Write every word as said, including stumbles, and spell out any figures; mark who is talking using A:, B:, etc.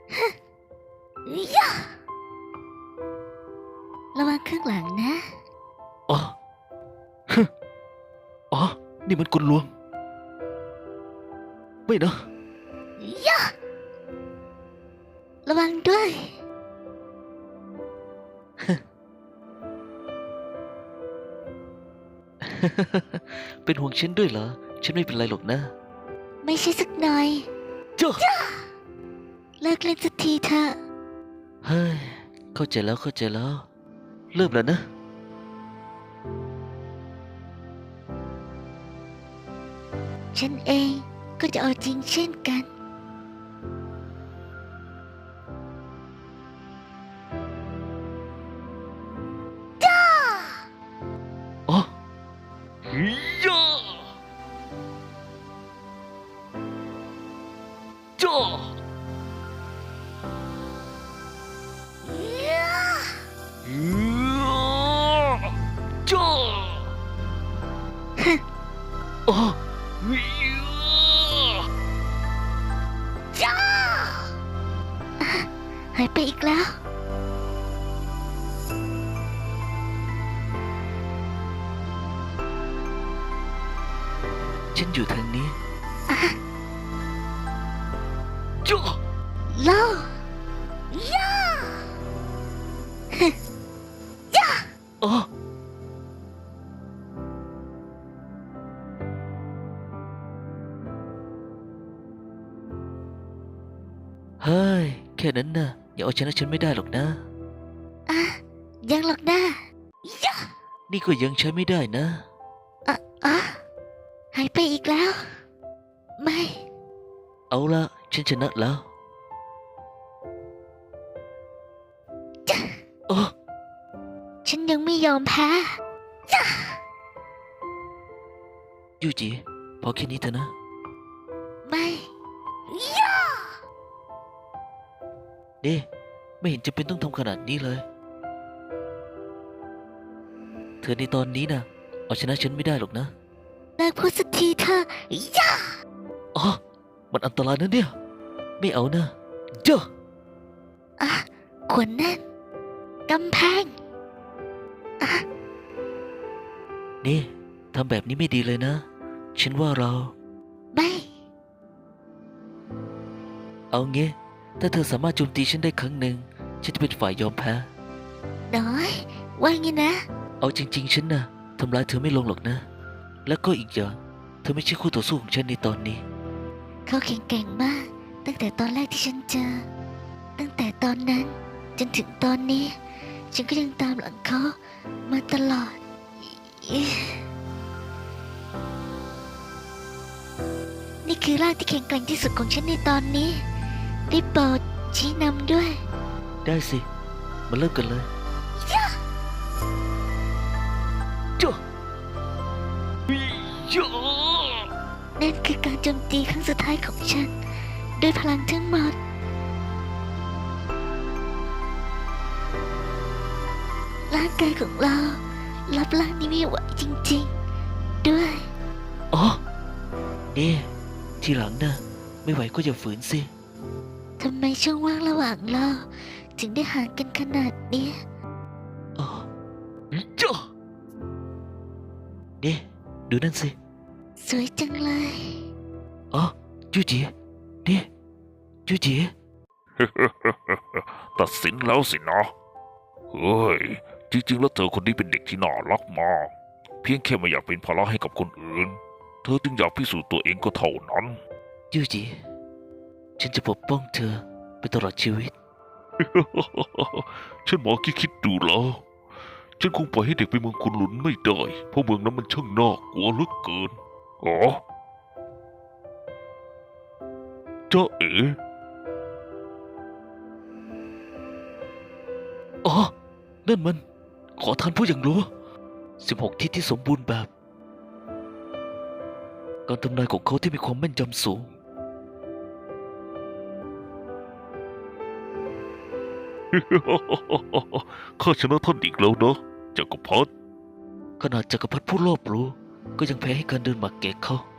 A: ยะระวังข้างหลังนะ
B: อ๋อฮึอ๋อ นี่มันกลลวง ไม่นะ
A: ยะระวังด้วย
B: เป็นห่วงฉันด้วยเหรอ ฉันไม่เป็นไรหรอกนะ
A: ไม่ใช่สักหน่อย
B: จ้า
A: เลิกเล่นสักทีเถอะ
B: เฮ้ย เข้าใจแล้วเข้าใจแล้ว เริ่มแล้วนะ
A: ฉันเองก็จะเอาจริงเช่นกัน
B: อ๋อฮิยาจ้าฮิยาจ้าอ๋อฮิยา
A: จ้าอ่ะหายไปอีกแล้ว
B: ฉันอยู่ทางนี้
A: อ่ะ
B: จ้า
A: โลย่าฮึย่า
B: อ๋อเฮ้ย แค่นั้นนะอย่าเอาชนะฉันไม่ได้หรอกนะ
A: อ่ะยังหรอกนะย่า
B: นี่ก็ยังใช้ไม่ได้นะ
A: อ่ะอ่ะหายไปอีกแล้ว ไม่
B: เอาละฉันชนะแล้ว
A: จ้า
B: อ๋อ
A: ฉันยังไม่ยอมแพ้จ้า
B: ยูจิพอแค่นี้เถอะนะ
A: ไม่ย่า
B: นี่ไม่เห็นจะเป็นต้องทำขนาดนี้เลย เธอในตอนนี้นะเอาชนะฉันไม่ได้หรอกนะ
A: เลิกพูดสักทีเถอะย่า
B: อ๋อ มันอันตรายนะเนี่ย ไม่เอานะเจ้า
A: อ่ะขวดแน่นกำแพงอ่ะ
B: นี่ทำแบบนี้ไม่ดีเลยนะ ฉันว่าเรา
A: ไม่
B: เอางี้ ถ้าเธอสามารถโจมตีฉันได้ครั้งหนึ่ง ฉันจะเป็นฝ่ายยอมแพ้
A: น้อย ว่างี้นะ
B: เอาจริง ๆ ฉันนะทำร้ายเธอไม่ลงหรอกนะ แล้วก็อีกอย่าง เธอไม่ใช่คู่ต่อสู้ของฉันในตอนนี้
A: เขาแข็งแกร่งมาก ตั้งแต่ตอนแรกที่ฉันเจอ ตั้งแต่ตอนนั้น จนถึงตอนนี้ ฉันก็ยังตามหลังเขามาตลอดอินี่คือร่างที่แข็งแกร่งที่สุดของฉันในตอนนี้ได้โปรดชี้นำด้วย
B: ได้สิ มาเริ่มกันเลยจ้าจ้า
A: นั่นคือการโจมตีครั้งสุดท้ายของฉัน ด้วยพลังทั้งหมด ร่างกายของเรา รับร่างนี้ไม่ไหวจริงๆ ด้วย
B: อ๋อ นี่ ทีหลังนะไม่ไหวก็อย่าฝืนสิ
A: ทำไมช่องว่างระหว่างเรา ถึงได้ห่างกันขนาดเนี้ย
B: อ๋อจ้านี่ดูนั่นสิ
A: สวยจังเลย
B: อ๋อจูจีนี่จูจี
C: ตัดสินแล้วสินะเฮ้ย จริงๆ แล้วเธอคนนี้เป็นเด็กที่น่ารักมาก เพียงแค่ไม่อยากเป็นภาระให้กับคนอื่น เธอจึงอยากพิสูจน์ตัวเองก็เท่านั้น
B: จูจีฉันจะปกป้องเธอไปตลอดชีวิต
C: ฉันหมอคิดคิดดูแล้ว ฉันคงปล่อยให้เด็กไปเมืองคุณหลุนไม่ได้ เพราะเมืองนั้นมันช่างน่ากลัวเหลือเกินอ๋อจ้าเอ๋
B: อ๋อ นั่นมัน ขอทานผู้อย่างรู้สิบหกทิศที่สมบูรณ์แบบ การทำนายของเขาที่มีความแม่นยำสูง
C: ข้าชนะท่านอีกแล้วนะจักรพรรดิ
B: ขนาดจักรพรรดิผู้รอบรู้ ก็ยังแพ้ให้การเดินหมากเกกเขา